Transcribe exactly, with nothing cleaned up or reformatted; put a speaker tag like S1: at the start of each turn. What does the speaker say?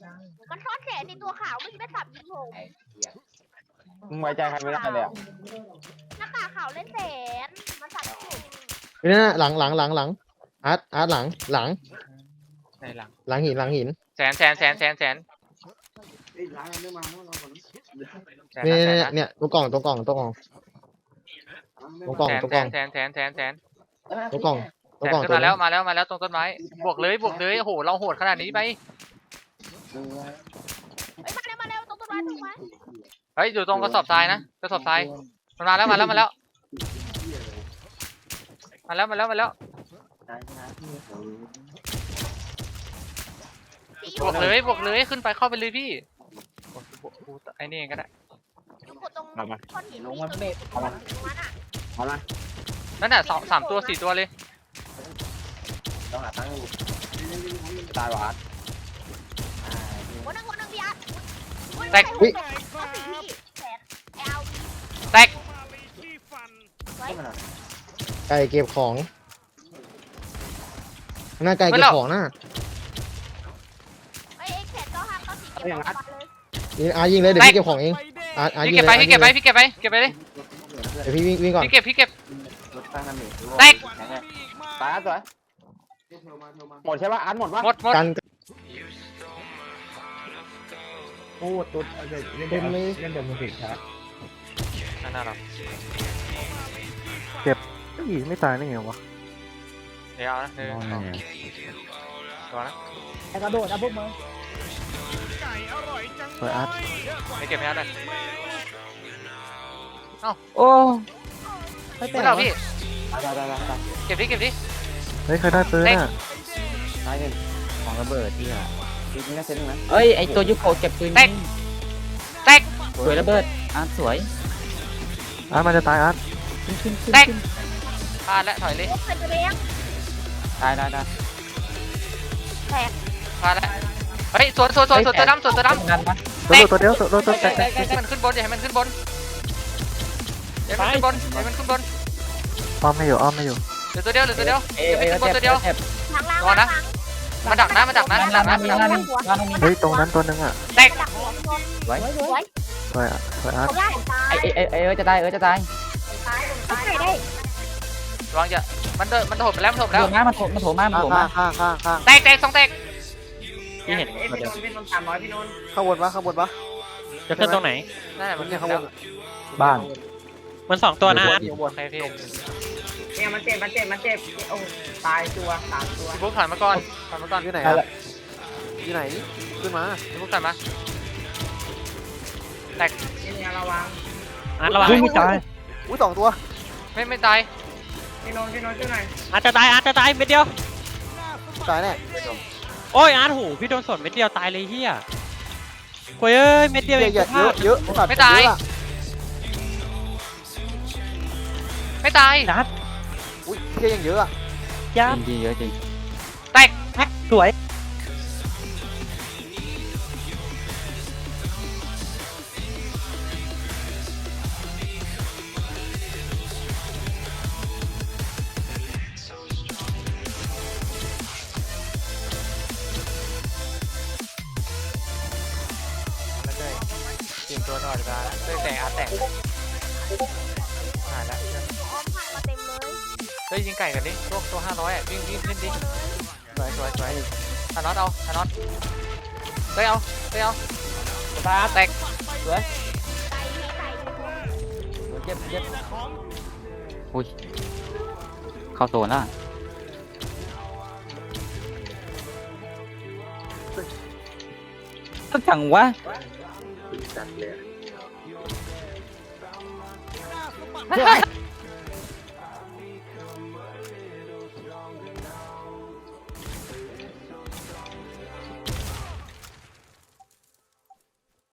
S1: มันซ่อนแสนในตัวขาวไม่ใช่ไม่สับยิงผม
S2: มึงไว้ใจใครไม่ได้เลยอ่ะ
S1: หน้ากากขาวเล่นแสนมันสับยิงผม
S3: นี่นะหลังหลังหลังหลังอาร์ตอาร์ตหลังหลัง
S4: ในหลัง
S3: หลังหินหลังหิน
S4: แสนแสนแสนแสนแสน
S3: เนี่ย
S4: แส
S3: เนี่ย
S4: นะ
S3: เนี่ยตัวกล่องตัวกล่องตัวกล่องตัวกล่อง
S4: แสน
S3: ตัว
S4: แส
S3: กล่อง
S4: นแสนแสนแสนแสน
S3: ตัวกล่อง
S4: แส
S3: ตัวน กล่อง
S4: ขึ้น
S3: ตัว
S4: มาแล้วมาแล้วมาแล้วตรงต้นไม้บวกเลยบวกเลยโอ้โหเราโหดขนาดนี้ไป
S1: เฮ้ยมาเร็วมาเร็วตรงต้นไม้ตรงไม้
S4: เฮ้ยอยู่ตรงกระสอบทรายนะกระสอบทรายมันมาแล้วมาแล้วมาแล้วมาแล้วมาแล้วมาแล้วบวกเลยบวกเลยขึ้นไปเข้าไปเลยพี่ไอ้นี่เองก็ได้
S1: กดตรงก้อนหิน
S2: ลง
S1: นี่
S2: มัน
S1: ตรง
S2: เม็ดเอามา
S1: นั้นอ่ะ
S2: เอามา
S4: นั่นน่ะสองสามตัวสี่ตัวเลย
S2: ต้องหาตั้งตายหวาน
S1: วันนึงวันนึงพี่อาร์ต
S4: แตก
S1: อุ้ยก็สี่พี่แสนเอล
S4: แตก
S1: ไว้
S3: ไก่เก็บของหน้าไก่เก็บของนะ
S1: เอ้ยแสนก็ห้ามก็สี่เก็บของเลย
S3: นี่อาร์ตยิงเลยเดี๋ยวพี่เก็บของเองอาร์ตอาร์ต
S4: พี่
S3: ยิง
S4: เก็บ
S3: เลย
S4: ไปพี่เก็บไปพี่เก็บไปเก็บไปเลย
S3: เดี๋ยวพี่วิ่งวิ่งก่อน
S4: พี่เก็บพี่เก็บ
S2: รถตั้งน้ำหนึ่ง
S4: แตก
S2: ตายสวยหมดใช่ป่ะอันหมดป่ะ
S4: หมดหมด
S3: กัน
S2: โอ้ตุ๊ดเล่นเล่นเล่นเดิมมือผิดครับ
S4: นั่นน่ะหรอ
S3: ไม่ตายได้ไงวะ
S4: เดี๋ยวนะหนึ่งสองตัวนะ
S2: ไอ้กระโดดนะพวกมึง
S3: เปิดอาร์ต
S4: ไม่เก็บไม่ได้เลย
S3: โอ้
S4: ไม่เอาพี่
S2: ตายตายตายตาย
S4: เก็บดิเก็บดิ
S3: เฮ้ยใครได้ปืนอ่ะ
S2: ตายหนึ่งของระเบิดที่อ่ะทีนี้น่าเซ็นนะ
S5: เอ้ยไอตัวยุโกะเก็บปืน
S4: แตกแตก
S5: สวยระเบิดอาร์ตสวย
S3: อาร์ตมันจะตายอาร์ต
S5: ขึ้นขึ้นขึ้น
S4: แตก
S5: ขึ้น
S4: พลาดแล้วถอยเลย
S1: โอ้ใครจะเลี้ยง
S5: ได้ได้ได้
S1: แตก
S4: พลาดแล้วเฮ้ยสวนสวนสวนสวนตัวดำสวนตัวดำ
S5: นั่นปะ
S3: ตัวเดียวตัวตัวตัวแตกแตก
S4: ให้มันขึ้นบนอย่าให้มันขึ้นบนอย่าให้มันขึ้นบนอย่าให้มันขึ้นบน
S3: อ้อมไม่อยู่อ้อมไม่อยู่
S4: เหลือตัวเดียวเหลือตัวเดียว
S5: เอ้ย
S4: อย่าให้
S5: เอ้ย
S4: ขึ้นบนตัวเดียว
S5: เจ็บ
S1: ทางล่าง
S4: รอนะ มันดักนะมันดักนะมันดักนะ
S5: มีนั่นมีนั่นมี
S3: เฮ้ยตรงนั้นตัวนึงอ่ะ
S4: แตก
S1: ดักหัวคน
S5: ไว้
S1: สวย
S3: สวยอ่ะสวยอาร์ต
S1: เขาล่าผมตาย
S5: ไอไอไอเออจะตายเออจะตาย
S1: ตายผมตายได้
S4: ระวังอย่ามันเดินมันโถมไปแล้วมันโถม
S5: โถ
S4: แล้ว
S5: มมามันโถมมันโถมมามันโถมมา
S3: ข้างข้างข้าง
S4: แตกแตกสองแตก
S5: พี่เห็น
S2: พี่นนท์พี่นนท์สามร้อยพี่นนท์
S3: ข้างบนปะข้างบนปะ
S6: จะขึ้นตรงไหน
S4: นั่นแหละมัน
S3: เนี่ย
S4: ขึ้
S3: ข้าน งบ
S4: แล้ว
S3: นบ้าน
S6: มันสองตัวนะอาร์ต
S4: โอเคพี่
S2: เนี่ยมันเจ็บมันเจ็บมันเจ็บโอ้ตายตัวสามตัว
S4: พี่บุ๊คถอยมาก่อนถอยมาก่อน
S3: อยู่ไหนอ่ะอยู่ไหนขึ้นมา
S4: พี่บุ๊คถอยมาแตก
S2: นี่เนี่ยระวัง
S6: อาร์ตระวัง
S3: ไม่ตายอุ้ยสองตัว
S4: ไม่ไม่ตาย
S2: พี่นนท์พี่นนท์ช่วยหน่อย
S6: อาร์ตจะตายอาร์ตจะตายเม็ดเดียว
S3: ตายแน่
S6: โอ้ยอาร์ตโหพี่โดนสวนเม็ดเดียวตายเลยเฮียโอ้ยเอ้ยเม็ดเดียว
S3: เย
S6: เอง
S3: อะเยอะเยอะ
S4: ไม่ตายไม่ตาย
S6: อาร์ต
S3: อุ้ยเยอะยังเยอะอ่ะ
S6: ยา
S5: จริงจริงเยอะจริง
S4: แตก
S6: แพ็คสวย
S4: แล้วเลยเตรียมตัวตลอดเวลาแล้วเลยแตกอาร์ตแตกหายแล้ว
S1: อ้อมผ่านมาเต็มเลย
S4: เฮ้ยยิงไก่กันดิตัวตัวห้าร้อยอ่ะวิ่งวิ่งขึ้นดิสวยสวยสวยธานอสเอาธานอสเฮ้ยเอาเฮ้ยเอาตาแตกสวย
S1: ไก่มีไก่อยู่
S5: เจ็บเจ็บอุ้ยเข้าโซนแล้วต้องจังวะ
S2: จัดเลย